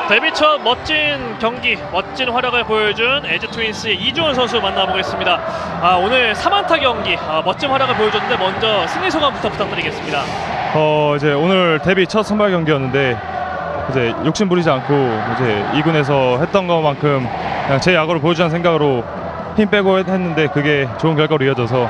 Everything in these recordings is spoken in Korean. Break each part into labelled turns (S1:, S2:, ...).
S1: 데뷔 첫 멋진 경기, 멋진 활약을 보여준 LG 트윈스의 이주원 선수 만나보겠습니다. 오늘 3안타 경기, 멋진 활약을 보여줬는데 먼저 승리 소감부터 부탁드리겠습니다.
S2: 이제 오늘 데뷔 첫 선발 경기였는데 이제 욕심 부리지 않고 이제 2군에서 했던 것만큼 그냥 제 야구를 보여주자는 생각으로 힘 빼고 했는데 그게 좋은 결과로 이어져서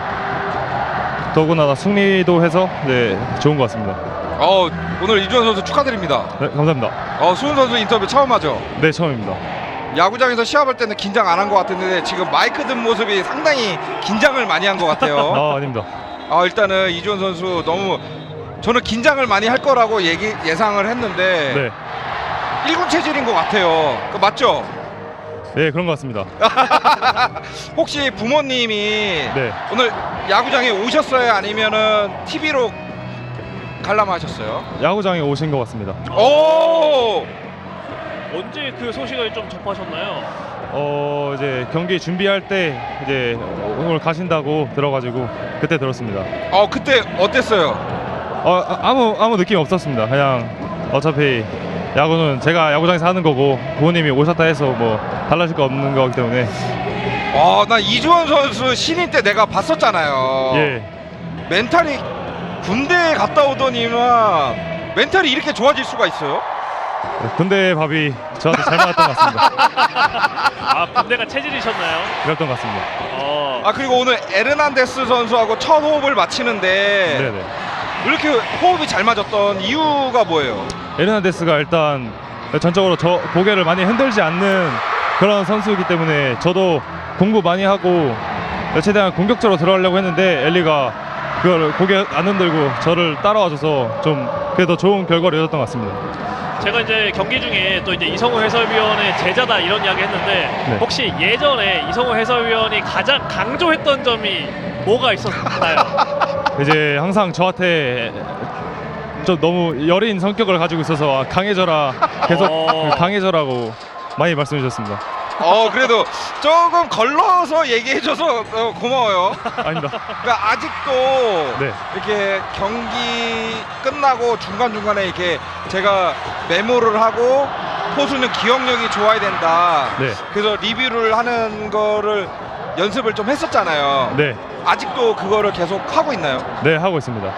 S2: 더구나 승리도 해서 좋은 것 같습니다.
S3: 오늘 이주원 선수 축하드립니다.
S2: 네, 감사합니다.
S3: 수훈 선수 인터뷰 처음 하죠?
S2: 네, 처음입니다.
S3: 야구장에서 시합할 때는 긴장 안 한 것 같았는데 지금 마이크 든 모습이 상당히 긴장을 많이 한 것 같아요.
S2: 아닙니다.
S3: 일단은 이주원 선수 너무 저는 긴장을 많이 할 거라고 예상을 했는데
S2: 네,
S3: 1군 체질인 것 같아요. 맞죠?
S2: 네, 그런 것 같습니다.
S3: 혹시 부모님이
S2: 네,
S3: 오늘 야구장에 오셨어요? 아니면은 TV로 관람하셨어요?
S2: 야구장에 오신 것 같습니다.
S3: 오!
S1: 언제 그 소식을 좀 접하셨나요?
S2: 이제 경기 준비할 때 이제 오늘 가신다고 들어가지고 그때 들었습니다.
S3: 그때 어땠어요?
S2: 아무 느낌 없었습니다. 그냥 어차피 야구는 제가 야구장에서 하는 거고 부모님이 오셨다 해서 뭐 달라질 거 없는 거기 때문에.
S3: 나 이주원 선수 신인 때 내가 봤었잖아요.
S2: 예,
S3: 멘탈이 군대에 갔다 오더니만 멘탈이 이렇게 좋아질 수가 있어요?
S2: 군대 밥이 저한테 잘 맞았던 것 같습니다.
S1: 군대가 체질이셨나요?
S2: 그랬던 것 같습니다.
S3: 그리고 오늘 에르난데스 선수하고 첫 호흡을 마치는데
S2: 네네.
S3: 이렇게 호흡이 잘 맞았던 이유가 뭐예요?
S2: 에르난데스가 일단 전적으로 저 고개를 많이 흔들지 않는 그런 선수이기 때문에 저도 공부 많이 하고 최대한 공격적으로 들어가려고 했는데 엘리가 그걸 고개 안 흔들고 저를 따라와줘서 좀 그래도 좋은 결과를 얻었던 것 같습니다.
S1: 제가 이제 경기 중에 또 이제 이성우 해설위원의 제자다 이런 이야기 했는데
S2: 네.
S1: 혹시 예전에 이성우 해설위원이 가장 강조했던 점이 뭐가 있었나요?
S2: 이제 항상 저한테 좀 너무 여린 성격을 가지고 있어서 강해져라, 계속 강해져라고 많이 말씀해 주셨습니다.
S3: 그래도 조금 걸러서 얘기해줘서 고마워요.
S2: 아닙니다.
S3: 그러니까 아직도
S2: 네.
S3: 이렇게 경기 끝나고 중간중간에 이렇게 제가 메모를 하고 포수는 기억력이 좋아야 된다.
S2: 네.
S3: 그래서 리뷰를 하는 거를 연습을 좀 했었잖아요.
S2: 네,
S3: 아직도 그거를 계속 하고 있나요?
S2: 네, 하고 있습니다.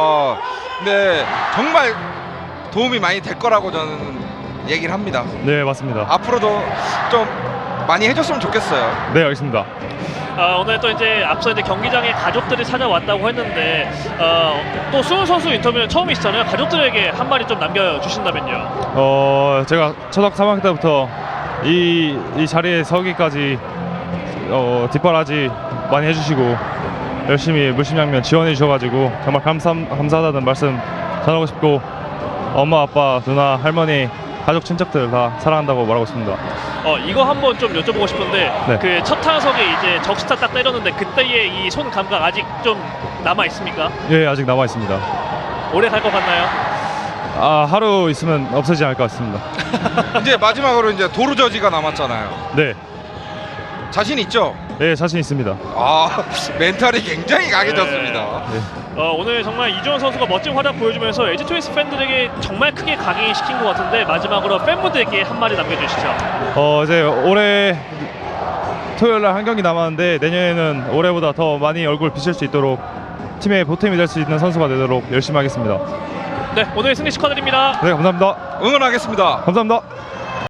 S3: 근데 정말 도움이 많이 될 거라고 저는 얘기를 합니다.
S2: 네, 맞습니다.
S3: 앞으로도 좀 많이 해줬으면 좋겠어요.
S2: 네, 알겠습니다.
S1: 오늘 또 이제 앞서 이제 경기장에 가족들이 찾아왔다고 했는데 또 수훈 선수 인터뷰는 처음이시잖아요. 가족들에게 한마디 좀 남겨주신다면요.
S2: 제가 초등학교 3학년 때부터 이 자리에 서기까지 뒷바라지 많이 해주시고 열심히 물심양면 지원해 주셔가지고 정말 감사하다는 말씀 전하고 싶고 엄마, 아빠, 누나, 할머니, 가족, 친척들 다 사랑한다고 말하고 싶습니다.
S1: 이거 한번 좀 여쭤보고 싶은데
S2: 네.
S1: 그 첫 타석에 이제 적시타 딱 때렸는데 그때의 이 손 감각 아직 좀 남아 있습니까?
S2: 예, 아직 남아 있습니다.
S1: 오래 갈 것 같나요?
S2: 하루 있으면 없어지지 않을 것 같습니다.
S3: 이제 마지막으로 이제 도루저지가 남았잖아요.
S2: 네,
S3: 자신 있죠?
S2: 네, 자신 있습니다.
S3: 멘탈이 굉장히 강해졌습니다.
S2: 네.
S1: 오늘 정말 이주원 선수가 멋진 활약 보여주면서 LG 트윈스 팬들에게 정말 크게 각인시킨 것 같은데 마지막으로 팬분들께 한마디 남겨주시죠.
S2: 이제 올해 토요일날 한 경기 남았는데 내년에는 올해보다 더 많이 얼굴 비칠 수 있도록 팀의 보탬이 될 수 있는 선수가 되도록 열심히 하겠습니다.
S1: 네, 오늘 승리 축하드립니다.
S2: 네, 감사합니다.
S3: 응원하겠습니다.
S2: 감사합니다.